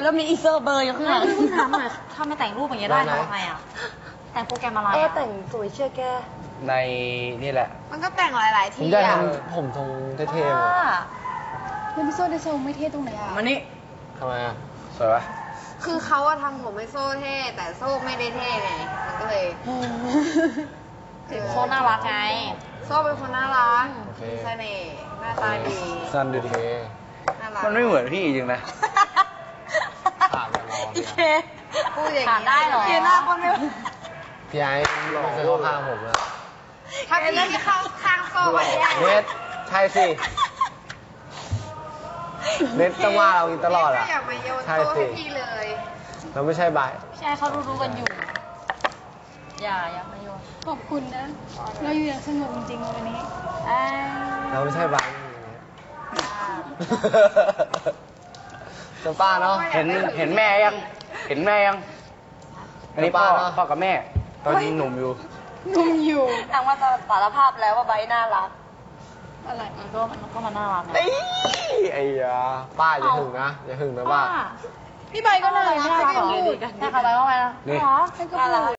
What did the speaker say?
แล้วมีอีเซอร์เบอร์อยู่ข้างหลังเพิ่งถามหน่อยถ้าไม่แต่งรูปอย่างเงี้ยได้ทำไงอ่ะแต่งโปรแกรมอะไรอ่ะแต่งสวยเชื่อแกในนี่แหละมันก็แต่งหลายๆผมที่จะอะทำผมทรงเท่ๆมาแล้วพี่โซ่ได้ทรงไม่เท่ตรงไหนอ่ะมานี่ทำไมอ่ะสวยปะคือเขาอะทำผมให้โซ่เท่ แต่โซ่ไม่ได้เท่ไง มันก็เลยโซน่ารักไงโซ่เป็นคนน่ารักโอเคมีเสน่ห์หน้าตาดีสั้นดูดิน่ารักมันไม่เหมือนพี่จริงนะปากมันร้อนอีเคพูดอย่างถามได้เหรอเคหน้าคนไม่พี่ไอ้ไม่เคยเข้าข้างผมอะถ้าพี่ไม่เข้าข้างโซ่ก็แย่เน็ตใช่สิเน็ตต้องว่าเราอีกตลอดไม่อ่ะอยากมาโยนใช่โซ่สิให้พี่เลยเราไม่ใช่บายใช่เขารู้ๆกันอยู่ อย่ามาโยนขอบคุณนะ เราอยู่อย่างสงบจริงๆวันนี้เราไม่ใช่บายจะป้าเนาะเห็นแม่ยัง เห็นแม่ยัง อันนี้พ่อกับแม่ ตอนนี้หนุ่มอยู่นุ่มอยู่นางว่าจะสารภาพแล้วว่าไบร์ทน่ารักอะไรมันก็มันน่ารักไงไอ้ยาป้าอย่าหึงนะ อย่าหึงนะป้าพี่ใบก็น่ารักน่ารักเหรอให้พูดถ้าเขาไปว่าไงนะนี่เหรอให้ก็พูด